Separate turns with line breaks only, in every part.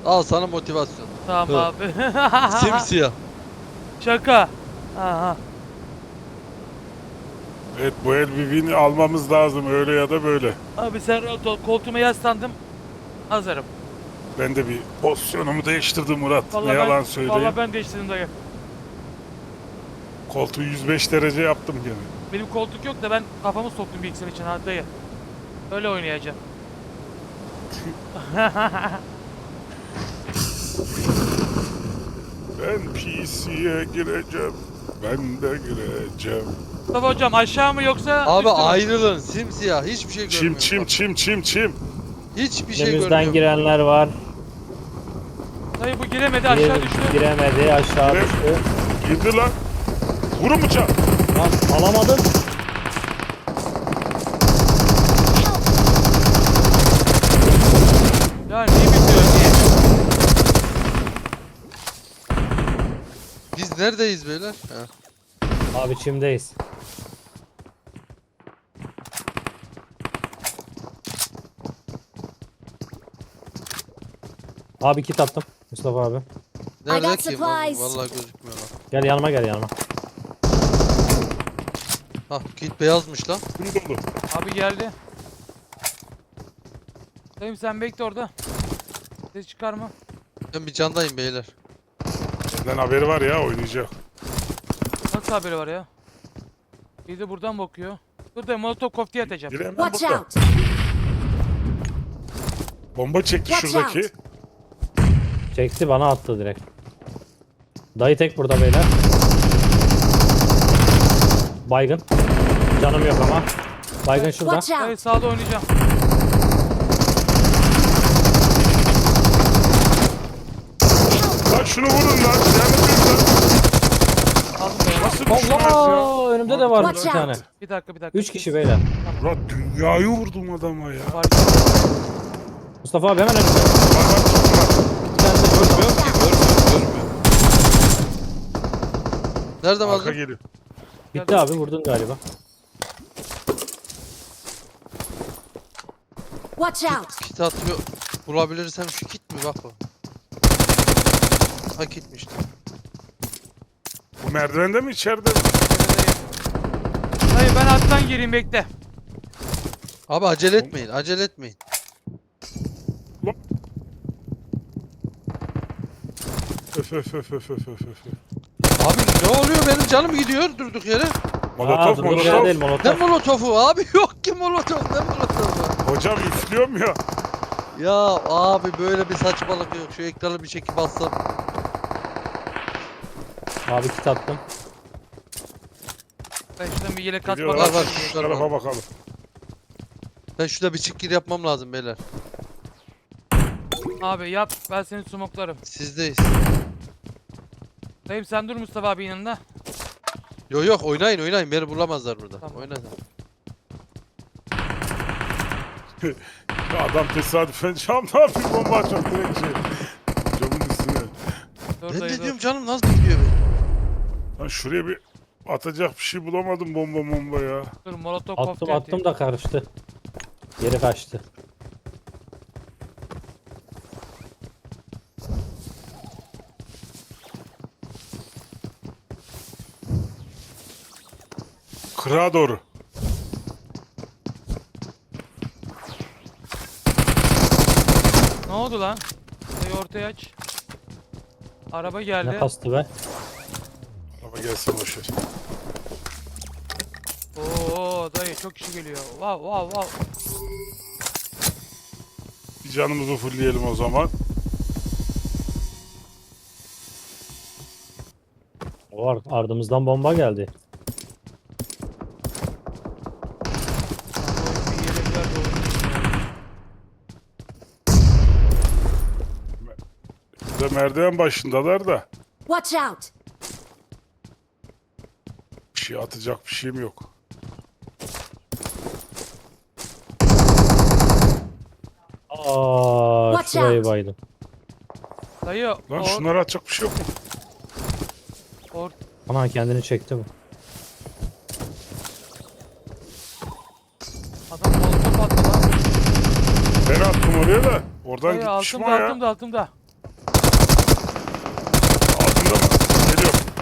Al sana motivasyon.
Tamam
Hı.
abi.
Simsiyah.
Şaka. Aha.
Evet, bu el bir win almamız lazım öyle ya da böyle.
Abi sen rahat ol. Koltuğuma yaslandım. Hazırım.
Ben de bir pozisyonumu değiştirdim Murat.
Vallahi
Ne
ben,
yalan söyleyeyim.
Vallahi ben değiştirdim dayı.
Koltuğu 105 derece yaptım gene.
Benim koltuk yok da ben kafamı soktum bilgisayar için ha dayı. Öyle oynayacağım.
Ben PC'ye gireceğim. Ben de gireceğim.
Mustafa hocam aşağı mı yoksa
Abi
üstü mü?
ayrılın. Simsiyah. Hiçbir şey
Çim
görmüyorum.
çim
bak.
çim çim çim.
Hiçbir şey
Önümüzden
görmüyorum.
girenler var.
Dayı bu giremedi aşağı düştü.
Giremedi, aşağı
Gire-
düştü.
Girdi lan. Vurun bıçak.
Lan alamadım.
Ya niye bitiyor niye?
Biz neredeyiz beyler? Ha.
Abi çimdeyiz. Abi kit attım. Mustafa abi.
Nerede
got
ki?
supplies.
Vallahi gözükmüyor lan.
Gel yanıma gel yanıma.
Hah kit beyazmış lan.
Bunu dolu.
Abi geldi. Dayım sen bekle orada. Ses çıkarma.
Ben bir candayım beyler.
Benden haberi var ya, oynayacak.
Nasıl haberi var ya? Bir de buradan bakıyor. Dur da molotov koftayı atacağım.
Biri hemen
Watch
burada.
out!
Bomba çekti
Watch
şuradaki.
out.
Çekti bana attı direkt. Dayı tek burada beyler. Baygın. Canım yok ama. Baygın şurada.
Watch
Dayı
out!
sağda oynayacağım.
Lan şunu vurun lan. Yanıtıyım lan.
Aldım dayı.
Nasıl düşmez ya?
Allah! Önümde de var bir
Watch
tane.
out.
Bir dakika.
3 kişi beyler.
Murat dünyayı vurdum adama ya.
Var.
Mustafa abi hemen önümde.
Bak bak çıktı.
Bir tane de şurada.
Görmüyorum ki. Görmüyorum. Nereden
Arka
aldın?
geliyor.
Bitti abi vurdun galiba.
Watch out!
Kit atıyor. Bulabilirsem şu kit mi? Bak bak. Ha kitmiş.
Bu merdivende mi içeride mi?
Dayı ben alttan gireyim bekle.
Abi acele etmeyin. Acele etmeyin.
Öf öf öf öf öf öf öf.
Abi ne oluyor? Benim canım gidiyor durduk yere.
Molotof
Dur, değil
molotof.
Ne
molotof.
molotofu abi? Yok ki molotof. Ne molotofu?
Hocam üflüyorum ya.
Ya abi böyle bir saçmalık yok. Şu ekranı bir çekip bassam.
Abi kit attım.
Ben şuradan bir yelek atmak
Gidiyorlar.
var,
Şu tarafa bakalım.
Ben şurada bir çık yapmam lazım beyler.
Abi yap ben seni smoklarım.
Sizdeyiz.
Dayım sen dur Mustafa abi yanında.
Yok oynayın. Beni bulamazlar burada.
Tamam.
Oynayın.
Ya adam tesadüfen camdan bir bomba açıyor direkt şey. Camın üstüne.
Dur
Ben
dayı
de
dur.
diyorum canım nasıl gidiyor benim?
Lan şuraya bir atacak bir şey bulamadım, bomba ya.
Dur molotov
Attım
koftayı
attım da karıştı. Geri kaçtı.
Kırağa doğru.
Ne oldu lan? Dayı ortaya aç. Araba geldi.
Ne kastı be?
Ama gelsin boşver.
Oo dayı çok kişi geliyor. Wow.
Bir canımızı fullleyelim o zaman.
O ardımızdan bomba geldi.
Bir yelek ver de
Bir de merdiven başındalar da.
Watch out!
Bir şey atacak bir şeyim yok.
Aa,
Watch
şurayı
out.
baydım.
Dayı
Lan şunları atacak bir şey yok mu?
Ana kendini çekti bu.
adam molotov attı lan.
Ben attım oraya da. Oradan
Dayı
gitmiş mi o
altımda
ya?
altımda altımda.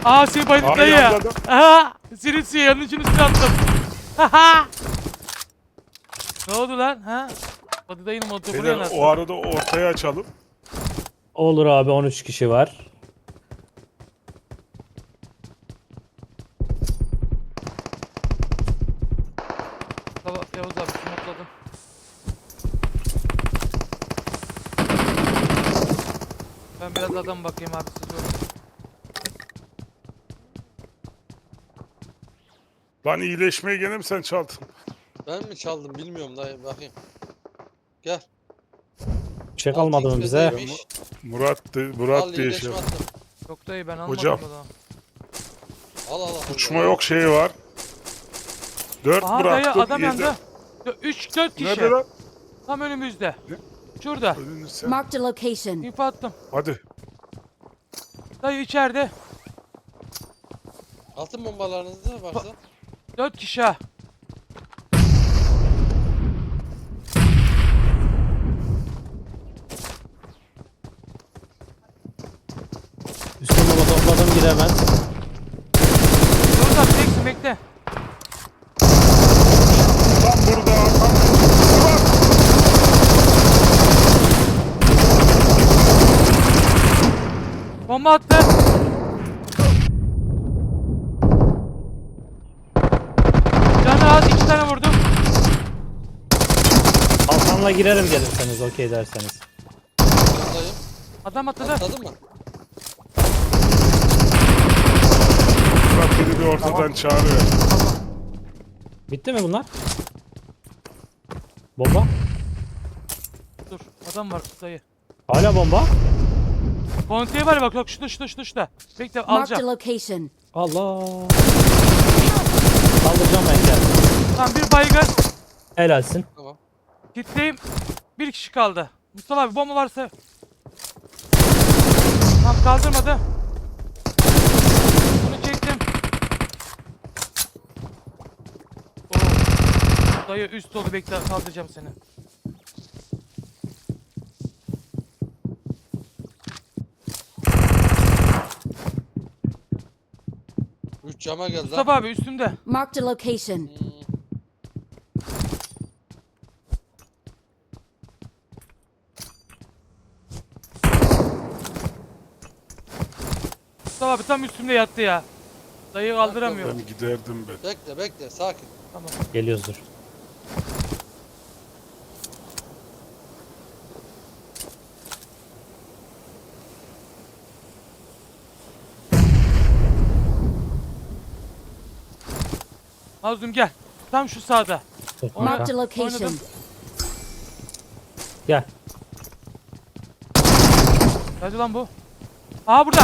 Aa seni bayıldı
Aa,
dayı.
yandı adam.
Aha. Senin yanın için üstüne attım. Haha. Ne oldu lan? Ha? Hadi dayının motoru
Beyler,
yanarsın.
o arada ortaya açalım.
Olur abi 13 kişi var.
Tamam Yavuz abi smokladım. Ben biraz adam bakayım abi siz görün.
Lan iyileşmeye gene mi sen çaldın?
Ben mi çaldım bilmiyorum dayı bakayım. Gel.
Bir şey kalmadı mı
Altı
bize?
XP'deymiş.
Murat
Al
diye şey.
iyileşme attım.
Yok dayı ben almadım
Hocam.
o zaman.
Al.
Uçma yok şeyi var. 4
Aha dayı
bıraktım.
adam
7.
yandı. 3-4 kişi.
Nerede lan?
Tam önümüzde.
Ne?
Şurada.
Önünü sen.
Marked a location.
İnfo attım.
Hadi.
Dayı içeride.
Atın bombalarınızı varsa.
4 kişi ha.
Üstüne baba topladım gir hemen.
Dur da bekle bekle.
Lan burada. Lan. Murat.
Bomba attı. Canı az 2 tane vurdum.
Kalkanla girerim gelirseniz okey derseniz.
Dayım.
Adam atladı.
Atladın mı?
Murat beni bir ortadan çağırıyor.
Bitti mi bunlar? Bomba?
Dur adam var dayı.
Hala bomba?
Konteye var bak yok şurada. Bekle
Marked a
alacağım.
location.
Allah. Kaldıracağım ben gel.
Tamam bir baygın.
Helalsin.
Tamam.
Kitleyim. Bir kişi kaldı. Mustafa abi bomba varsa. Tamam kaldırmadı. Bunu çektim. Oo. Dayı üst dolu bekle kaldıracağım seni.
Üç cama geldi lan.
Mustafa abi üstümde.
Marked a location.
Mustafa abi tam üstümde yattı ya. Dayı kaldıramıyor.
Ben giderdim ben.
Bekle sakin.
Tamam.
Geliyoruz dur.
Mazlum gel. Tam şu sağda.
Dur
Ona-
Marked a
kanka.
location.
Oynadım.
Gel.
Hadi lan bu. Aha burada.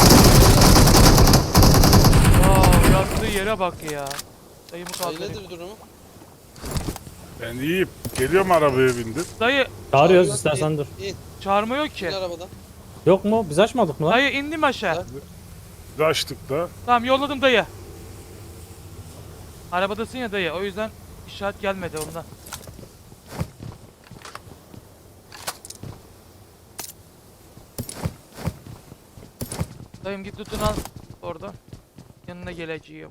Wow, yattığı yere bak ya. Dayımı
Dayı
kaldırayım.
nedir durumu?
Ben iyiyim. Geliyorum arabaya bindim.
Dayı
Çağırıyoruz
İn,
istersen dur.
İn
çağırma yok ki.
arabadan.
Yok mu? Biz açmadık mı lan?
Dayı indim aşağı.
Bir açtık da.
Tamam yolladım dayı. Arabadasın ya dayı o yüzden işaret gelmedi ondan. Dayım git tutun al oradan. Yanına geleceğim.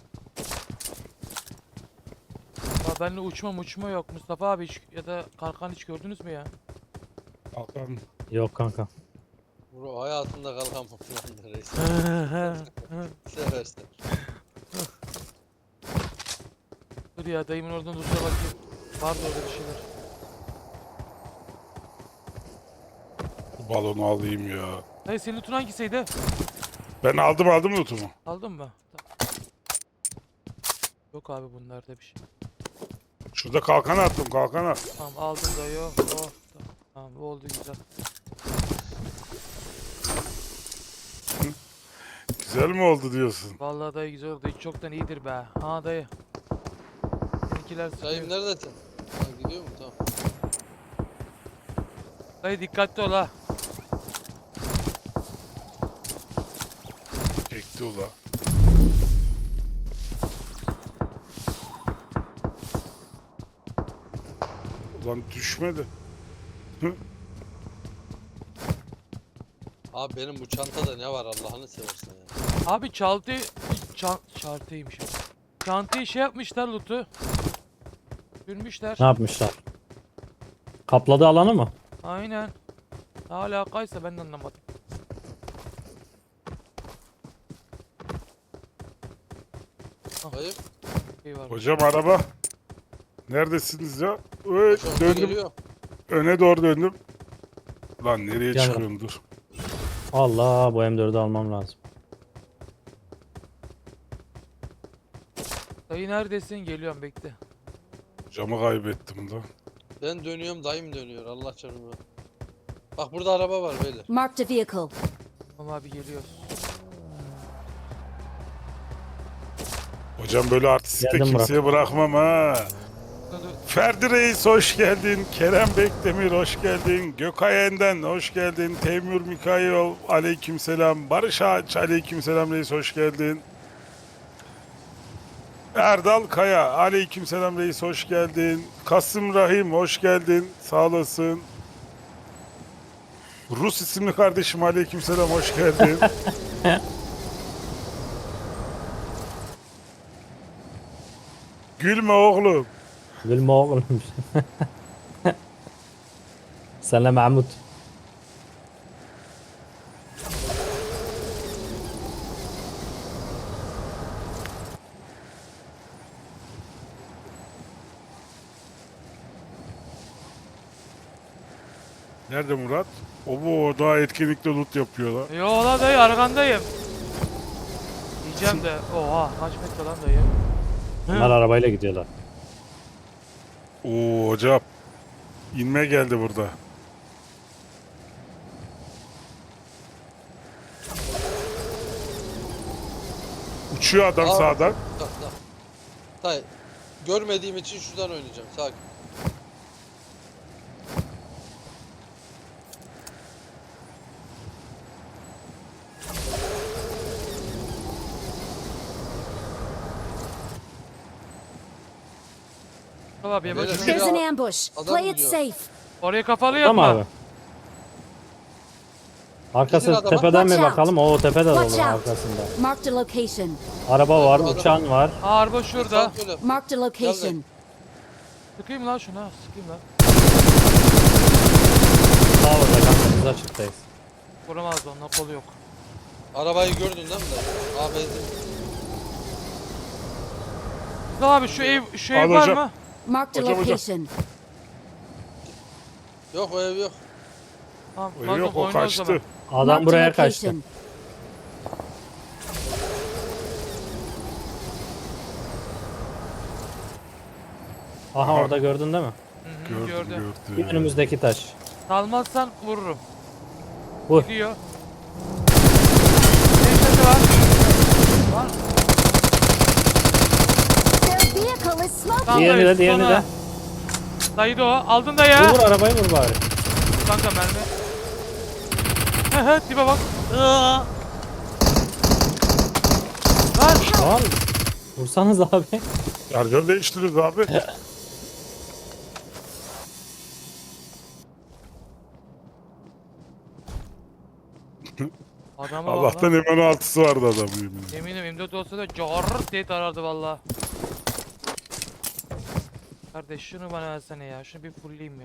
Ya benimle uçma yok Mustafa abi hiç, ya da kalkan hiç gördünüz mü ya?
Kalkan.
Yok kanka.
Bro hayatında kalkan falan reis. Seversen.
Dur ya dayımın oradan dursa bakayım. Var mı öyle bir şeyler?
Bu balonu alayım ya.
Dayı senin lootun hangisiydi?
Ben aldım notumu.
Aldın mı? Tamam. Yok abi bunlarda bir şey.
Şurada kalkanı attım kalkana.
Tamam aldım dayı. Oh, tamam bu oldu güzel.
Güzel mi oldu diyorsun?
Vallahi dayı güzel oldu. Hiç çoktan iyidir be. Ha dayı. Seninkiler
Dayım
sıkıyor.
neredesin? Ha, gidiyor mu? Tamam.
Dayı dikkatli ol ha.
Çekti ula. Ulan düşmedi.
Abi benim bu çantada ne var Allah'ını seversen ya.
Abi çantaymış. Çantayı şey yapmışlar loot'u. Sürmüşler.
Ne yapmışlar? Kapladı alanı mı?
Aynen. Ne alakaysa ben de anlamadım.
Hayır.
Şey var.
Hocam araba. Neredesiniz ya? Öyle
Aşağıda
döndüm.
geliyor.
Öne doğru döndüm. Lan nereye
Gel
çıkıyorum dur.
Allah, bu M4'ü almam lazım.
Dayı neredesin? Geliyorum bekle.
Camı kaybettim da.
Ben dönüyorum, dayım dönüyor. Allah canımı. Bak burada araba var beyler.
Marked a vehicle.
Tamam abi geliyoruz.
Hocam böyle artistik de
Geldim
kimseye bırakmam ha. Ferdi Reis hoş geldin. Kerem Bekdemir hoş geldin. Gökay Enden hoş geldin. Teymur Mikhailov aleykümselam. Barış Ağaç aleykümselam reis hoş geldin. Erdal Kaya aleykümselam reis hoş geldin. Kasım Rahim hoş geldin. Sağ olasın. Rus isimli kardeşim aleykümselam hoş geldin. Gülme oğlum.
Gülme oğlum. Senle Mahmut.
Nerede Murat? O bu daha etkinlikte loot yapıyorlar.
Yo la dayı arkandayım. Diyeceğim de. Oha kaç metre lan dayı.
Bunlar arabayla gidiyorlar.
Oo hocam. İnme geldi burada. Uçuyor adam
Aa.
sağdan.
Tamam. Dayı. Görmediğim için şuradan oynayacağım. Sakin.
Tamam abi
Beyler,
bakayım.
There's an ambush.
Adam
Play it
gidiyor.
safe.
Oraya kafalı
Tamam
yapma.
abi. Arkası
Gidin adama.
tepeden
Watch
bir
out.
bakalım. O tepede de
Watch
olur
out.
arkasında.
Marked a location.
Araba var,
Adam.
uçan var.
Aa, araba şurada.
Sağ söyle.
Marked a location.
Sıkayım lan şuna. Sıkayım lan.
Sağ orada kanka, biz açıktayız.
Vuramaz onunla kolu yok.
Arabayı gördün değil mi dayı? Aa benzin.
Tamam abi şu ev
Al
var
hocam.
mı?
Marked a
Hocam, hocam.
location.
Yok o ev yok.
Tamam.
Öyle yok o
oyna o zaman.
kaçtı.
Adam
Marked a
buraya kaçtı.
location.
Aha, orada gördün değil mi?
Hı hı,
Gördüm
gördüm.
Bir önümüzdeki taş.
Salmazsan vururum.
Vur.
Gidiyor. Neyse var. Var.
Their vehicle is smoking.
Tamam,
Diğerini de,
dayı,
diğerini
sonra.
de.
Dayı da o. Aldın da ya.
Vur vur, arabayı vur bari.
Kanka mermi. He he tipe bak. Lan.
Lan. Vursanız abi.
Şarjör değiştiririz abi.
Adama bak
Allah'tan
lan.
M16'sı vardı adamın.
Eminim M4 olsa da carrrt diye tarardı valla. Kardeş şunu bana versene ya. Şunu bir fullleyeyim ya.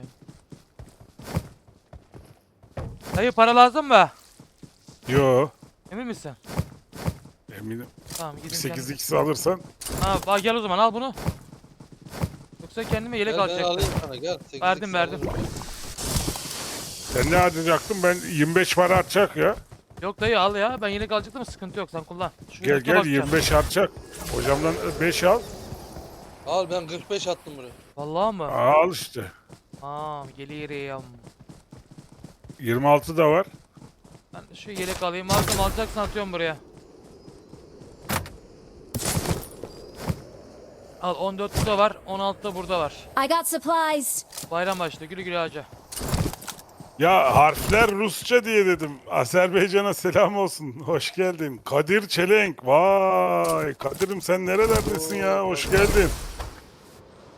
Dayı para lazım mı?
Yo.
Emin misin?
Eminim.
Tamam gidin sen.
8x alırsan.
Ha bak gel o zaman al bunu. Yoksa kendime yelek
Gel ben
alacaktım.
alayım sana gel. 8x
Verdim, verdim.
alayım.
Sen ne harcayacaktın? Ben 25 para artacak ya.
Yok dayı al ya. Ben yelek alacaktım sıkıntı yok sen kullan. Şu
Gel
yelekle
gel
bakacağım.
25 artacak. Hocamdan 5 al.
Al ben 45 attım buraya.
Vallahi mı?
Al işte.
Tamam geliyorum.
26 da var.
Ben de şu yelek alayım. Malzeme alacaksan atıyorum buraya. Al 14 burada var. 16 da burada var.
I got supplies.
Bayram başladı. Güle güle hacı.
Ya harfler Rusça diye dedim. Azerbaycan'a selam olsun. Hoş geldin. Kadir Çelenk. Vay Kadir'im sen nerelerdesin ya? Hoş geldin.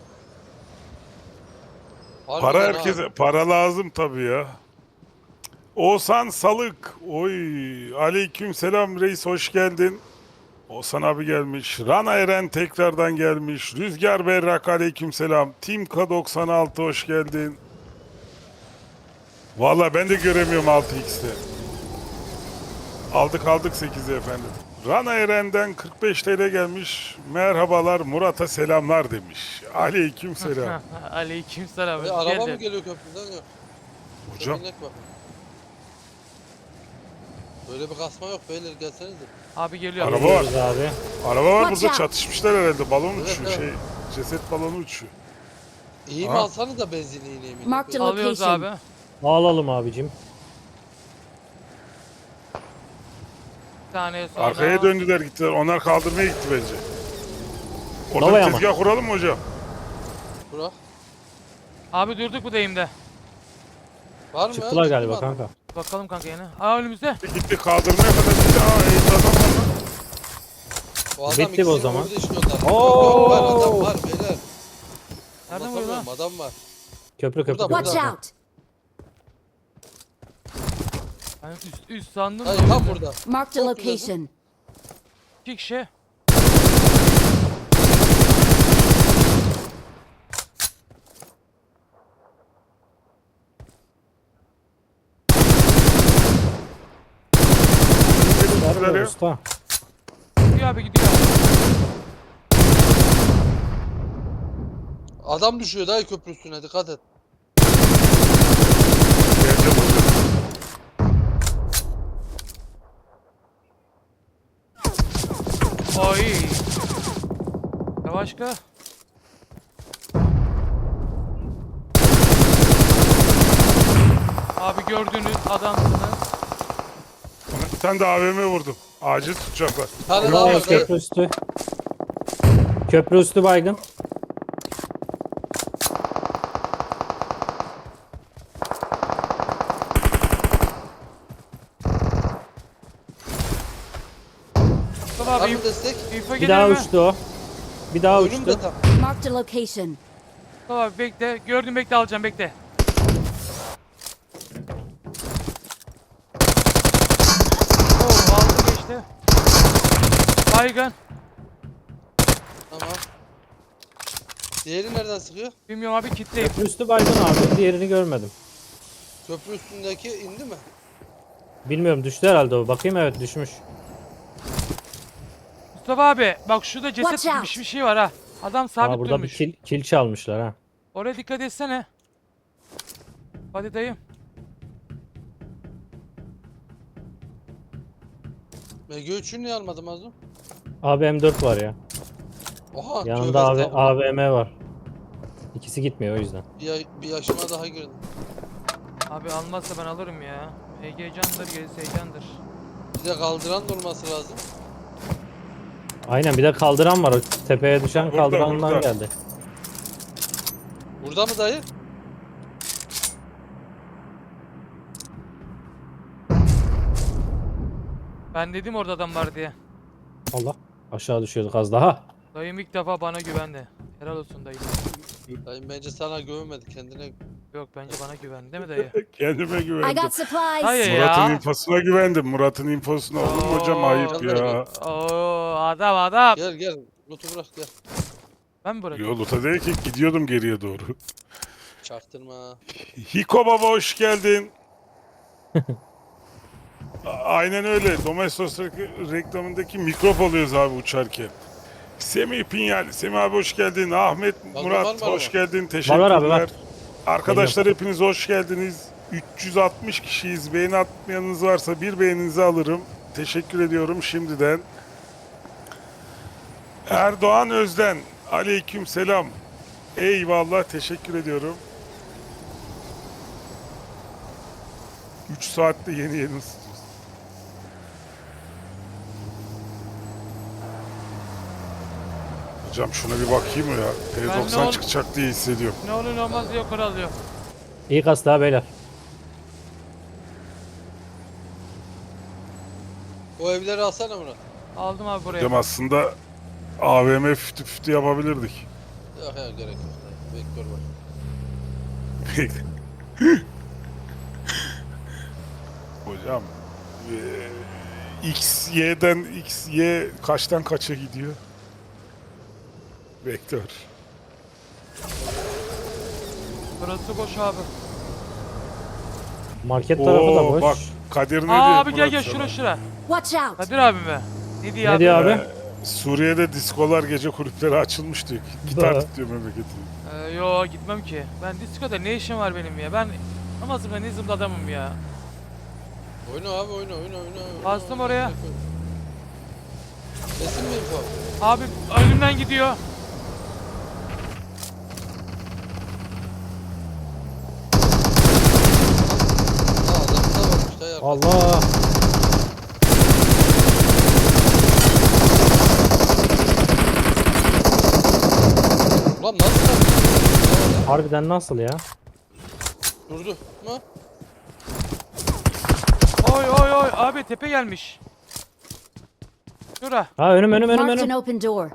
Para
Harbiden ha.
herkese. Para lazım tabii ya. Oğuzhan Salık. Oy. Aleyküm selam reis, hoş geldin. Oğuzhan abi gelmiş. Rana Eren tekrardan gelmiş. Rüzgar Berrak aleyküm selam. Team K96 hoş geldin. Valla ben de göremiyorum 6x'te. Aldık 8'i efendim. Rana Eren'den 45 TL gelmiş. Merhabalar, Murat'a selamlar demiş. Aleyküm selam.
Aleykümselam. hoş
Araba mı
geldin.
geliyor köprüden yok?
Hocam
Minnet bak. Böyle bir kasma yok beyler, gelsenize.
Abi geliyor.
Araba var.
Geliyoruz abi.
Araba var
Watch
burada,
out.
çatışmışlar herhalde. Balon
Evet,
uçuyor
evet.
ceset balonu uçuyor.
İyi mi
Ha?
alsanız da benzinli iğneyi mi?
Marked a
Alıyoruz
location.
abi.
Alalım abicim.
Bir saniye sonra.
Arkaya döndüler gittiler. Onlar kaldırmaya gitti bence. Orada
Nova'ya
bir
mı?
tezgah kuralım mı hocam?
Burak.
Abi durduk bu deyimde.
Var mı?
Çıktılar
Ciddi
galiba
mi
kanka.
Bakalım kanka yine. Aa önümüzde.
Gitti kaldırmaya kadar gitti. Aa eğitim adam var lan.
O adam
Bitti bu o
ikisini
zaman.
vurdu işte onlar.
Oo!
Yok, var adam var beyler.
Nereden vuruyor lan?
Anlatamıyorum, adam var.
Köprü köprü
Burada,
köprü.
Watch
burada.
out.
Ben üst sandım.
Hayır tam burada.
Marked a
Çok güzel.
location.
İki kişi.
Nerede usta?
Gidiyor abi gidiyor.
Adam düşüyor dayı köprü üstüne, dikkat et.
Geleceğim hocam.
Oy. Yavaş ka. Abi gördüğünüz adamsınız.
Ona bir tane de AVM vurdum. Acil tutacaklar.
Bir tane daha
Bravo,
var dayı.
köprü üstü. Köprü üstü baygın.
Mustafa
Var
abi
mı destek?
info
Bir
gelir
daha
mi?
uçtu o. Bir daha
Önümde
uçtu.
tam.
Marked a location.
Mustafa abi bekle. Gördüm bekle alacağım bekle. Oo aldı geçti. Baygın.
Tamam. Diğeri nereden sıkıyor?
Bilmiyorum abi kitleyim.
Köprü üstü baygın abi. Diğerini görmedim.
Köprü üstündeki indi mi?
Bilmiyorum, düştü herhalde o. Bakayım, evet düşmüş.
Mustafa abi bak şurada ceset
Watch out.
gibi bir şey var ha. Adam sabit
Aa, burada
durmuş.
bir kil çalmışlar ha.
Oraya dikkat etsene. Hadi dayım.
MG3'ü niye almadım Azum?
Abi M4 var ya.
Oha.
Yanında
tövbe estağfurullah.
AVM var. İkisi gitmiyor o yüzden.
Bir yaşıma daha girdim.
Abi almazsa ben alırım ya. Heyecandır gerisi heyecandır.
Bir de kaldıran da olması lazım.
Aynen, bir de kaldıran var. O tepeye düşen
Burada,
kaldırandan
burada.
geldi.
Burada mı dayı?
Ben dedim orada adam var diye.
Allah. Aşağı düşüyorduk az daha.
Dayım ilk defa bana güvendi. Helal olsun dayım.
Dayı bence sana güvenmedi, kendine.
Yok bence bana güvendi değil mi dayı?
Kendime
I
güvendim.
got supplies.
Dayı
Murat'ın
ya.
infosuna güvendim. Murat'ın infosuna. Olur mu hocam, ayıp ya.
Oo adam.
Gel gel. Loot'u bırak gel.
Ben mi bırakayım?
Yolda değil ki, gidiyordum geriye doğru.
Çaktırma.
Hiko Baba hoş geldin. Aynen öyle. Domestos reklamındaki mikrop alıyoruz abi uçarken. Semih Pinyal. Semih abi hoş geldin. Ahmet
var
Murat
mı
hoş
araba?
geldin. Teşekkürler.
Var abi, var.
Arkadaşlar hepiniz hoş geldiniz. 360 kişiyiz. Beğeni atmayanınız varsa bir beğeninizi alırım. Teşekkür ediyorum şimdiden. Erdoğan Özden. Aleyküm selam. Eyvallah, teşekkür ediyorum. 3 saatte yeni ısıtıyoruz. Hocam şuna bir bakayım ya.
Ben ne
T90
ol-
çıkacak diye hissediyorum.
Ne olur ne olmaz diye yukarı alıyor.
İyi kastı ha beyler.
O evleri alsana Murat.
Aldım abi buraya.
Hocam aslında AVM fütü fütü yapabilirdik.
Yok ya, gerek yok dayı. Vektör var.
Hocam X, Y'den X, Y kaçtan kaça gidiyor? Vektör.
Burası boş abi.
Market tarafı da
Oo
boş.
bak Kadir ne
Aa
diyor?
abi gel
Murat
gel
sana?
şura.
Watch out!
Kadir abi mi? Ne diyor
Ne
abi?
diyor abi?
Suriye'de diskolar gece kulüpleri açılmış diyor. Gitar
Ba-
tutuyor memleketi.
Yo gitmem ki. Ben diskoda ne işim var benim ya? Ben namazımda nizimde adamım ya.
Oyna abi oyna.
Bastım oraya.
Kesin mi info?
Abi önümden gidiyor.
Aa adam da varmış da ya.
Allah.
Ulan nasıl lan?
Harbiden nasıl ya?
Durdu mu?
Oy oy oy abi tepe gelmiş. Şura.
Ha önüm
Marked an
önüm.
open door.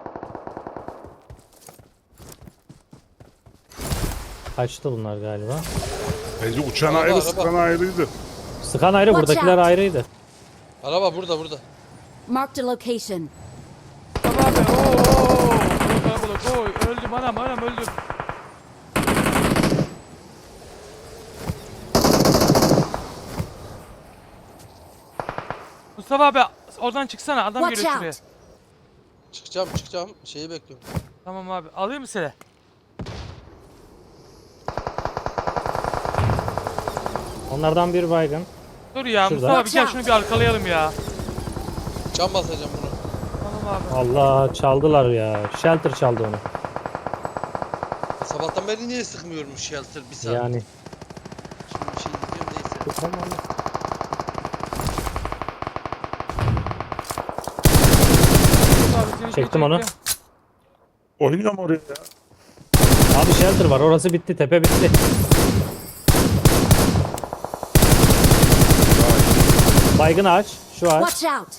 Kaçtı bunlar galiba.
Bence uçan
Araba,
ayrı,
araba.
sıkan ayrıydı.
Sıkan ayrı,
Watch
buradakiler
out.
ayrıydı.
Araba burada.
Marked a location.
Tamam abi. Oo. Kalabalık. Oy öldüm anam öldüm. Mustafa abi oradan çıksana adam
Watch
geliyor şuraya.
out!
Çıkacağım. Şeyi bekliyorum.
Tamam abi alayım mı seni?
Onlardan bir baygın.
Dur ya
Şurada.
Mustafa abi gel
Watch
şunu bir arkalayalım ya.
Cam basacağım bunu.
Tamam abi.
Allah çaldılar ya. Shelter çaldı onu.
Sabahtan beri niye sıkmıyormuş shelter bir saat?
Yani.
Şimdi bir şey diyeceğim neyse.
Tamam.
Abi seni
Çektim onu.
Oynuyorum oraya ya.
Abi shelter var. Orası bitti. Tepe bitti. Baygın ağaç. Şu ağaç.
Watch out!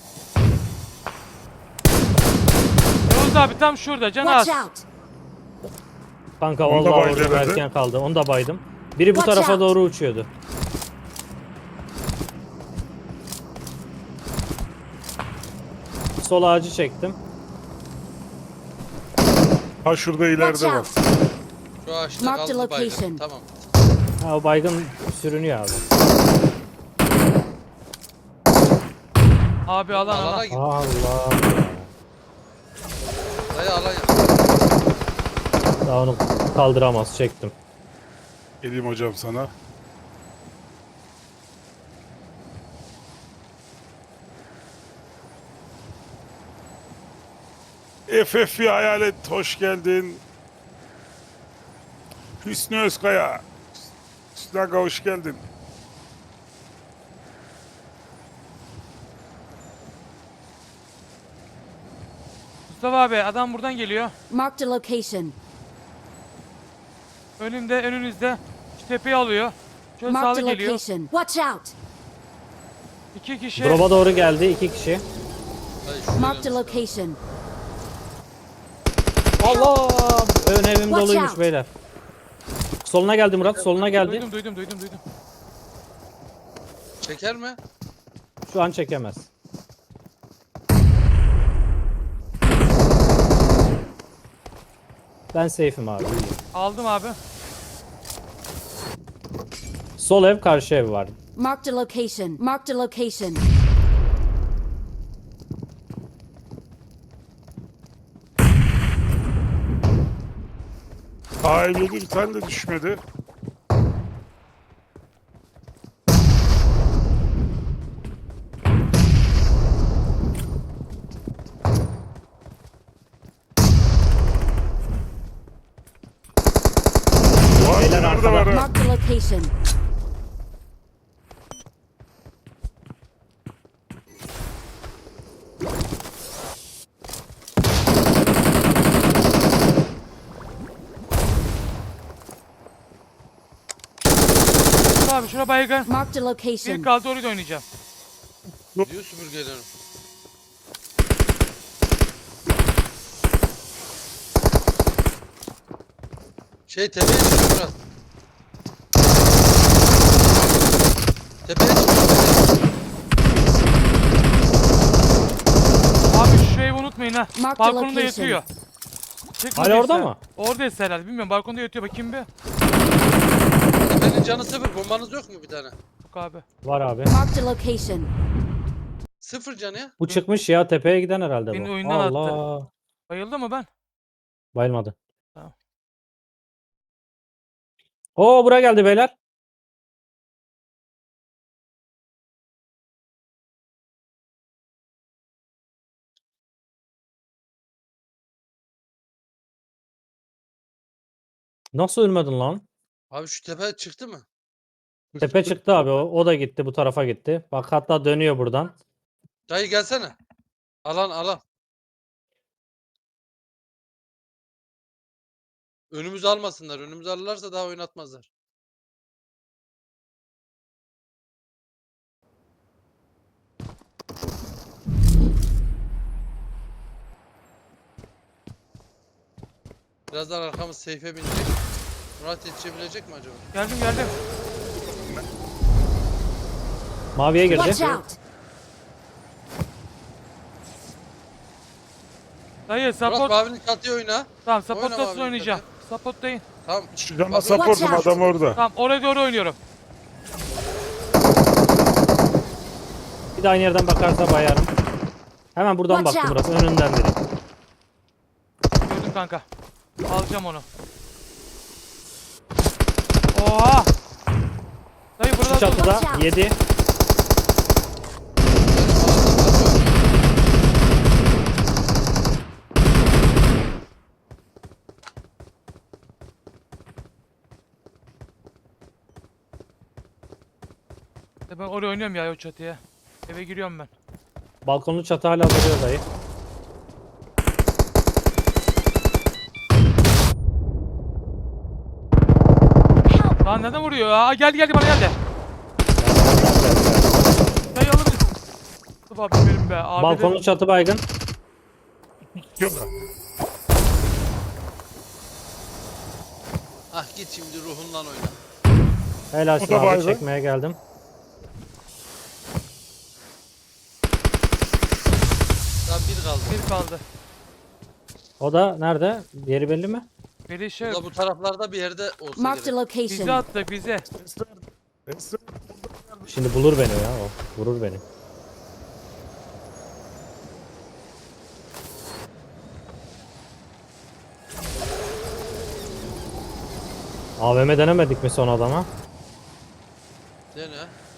Yavuz abi tam şurada can az.
Watch out!
Kanka
Onu da
vallahi
baydı
orada
herhalde.
erken kaldı. Onu da baydım. Biri bu
Watch
tarafa
out.
doğru uçuyordu. Sol ağacı çektim.
Ha şurada
Watch
ileride var.
out!
Şu ağaçta
Mark the
kaldı baygın.
location.
Tamam.
Ha o baygın sürünüyor abi.
Abi alan
Alana
alan.
git.
Allah.
Dayı alan yap.
Daha onu kaldıramaz. Çektim.
Geleyim hocam sana. FF'i Hayalet hoş geldin. Hüsnü Özkaya. Hüsnü Aga hoş geldin.
Mustafa abi adam buradan geliyor.
Marked a location.
Önünüzde. Şu tepeyi alıyor. Şöyle
Marked
sağlı
a
geliyor.
location. Watch out!
2 kişi.
Drop'a doğru geldi. 2 kişi.
Dayı şuraya
Marked a
dön.
location.
Allah! Ön evim
Watch
doluymuş
out.
beyler. Soluna geldi Murat. Soluna geldi.
Duydum.
Çeker mi?
Şu an çekemez. Ben safe'im abi.
Aldım abi.
Sol ev, karşı ev var.
Marked a location. Marked a location.
AM7 bir tane de düşmedi. Vay
Beyler
nerede var ha?
Marked a location.
Mustafa abi şuna baygın.
Marked a
Bir
location.
kaldı orayı da oynayacağım.
Diyor süpürgelerim. Şey tepeye çıkıyor Murat. Tepeye çıkıyor.
oyna.
Mark the
Balkonunda
location.
yatıyor. Çıkmadıysa-
Hala orada mı?
Oradaysa herhalde. Bilmiyorum. Balkonda yatıyor. Bakayım bir.
Benim canı sıfır. Bombanız yok mu bir tane?
Yok abi.
Var abi.
Marked a location.
Sıfır canı ya.
Bu çıkmış ya, tepeye giden herhalde
Beni
bu.
oyundan
Allah.
attı. Bayıldı mı ben?
Bayılmadı.
Tamam.
Oo, buraya geldi beyler. Nasıl ölmedin lan?
Abi şu tepe çıktı mı?
Tepe çıktı abi, o da gitti, bu tarafa gitti. Bak hatta dönüyor buradan.
Dayı gelsene. Alan alan. Önümüzü almasınlar. Önümüzü alırlarsa daha oynatmazlar. Birazdan arkamız seyfe binecek. Murat yetişebilecek mi acaba?
Geldim geldim.
Maviye
Watch
girdi.
out.
Dayı
Murat
support.
Mavi'nin çatıya oyna.
Tamam
Oyna
support'tasın
abi,
oynayacağım. Support'tayım.
Tamam.
Şu cana
Bak-
supportum, adam orada.
Tamam oraya doğru oynuyorum.
Bir de aynı yerden bakarsa bayarım. Hemen buradan
Watch
baktım
out.
Murat, önünden direkt.
Gördüm kanka. Alacağım onu. Oha! Dayı
Şu
burada dur.
çatıda
Watch out.
7.
Ben oraya oynuyorum ya o çatıya. Eve giriyorum ben.
Balkonlu çatı hala duruyor dayı.
Lan neden vuruyor ya? Aa, geldi bana geldi. Dayı alabilir. Mustafa abi benim be. Abi
Balkonlu çatı baygın.
Yok.
Ah git şimdi ruhundan oyna.
Helal
O da
abi,
baygın.
çekmeye geldim.
Daha bir kaldı.
bir kaldı.
O da nerede? Yeri belli mi?
Biri şey
Bu da bu taraflarda bir yerde olsa
Marked a
gerek.
bize
location.
attı bize.
Şimdi bulur beni ya o. Vurur beni. AVM denemedik mi son adama?
Dene.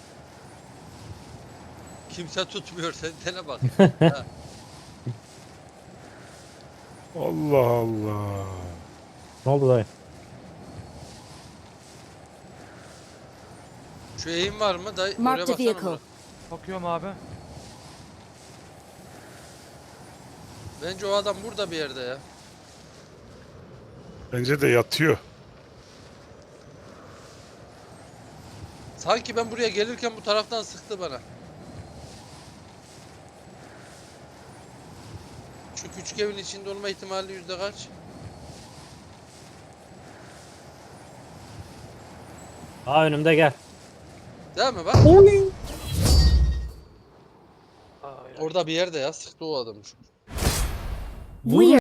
Kimse tutmuyor sen dene bak. Ha.
Allah Allah.
Ne oldu dayı?
Şu eğim var mı? Dayı oraya
Marked a
baksana.
vehicle.
Murat.
Bakıyorum abi.
Bence o adam burada bir yerde ya.
Bence de yatıyor.
Sanki ben buraya gelirken bu taraftan sıktı bana. Şu küçük evin içinde olma ihtimali yüzde kaç?
Aa, önümde gel.
Değil mi bak? Orada bir yerde ya sıktı o adam.
We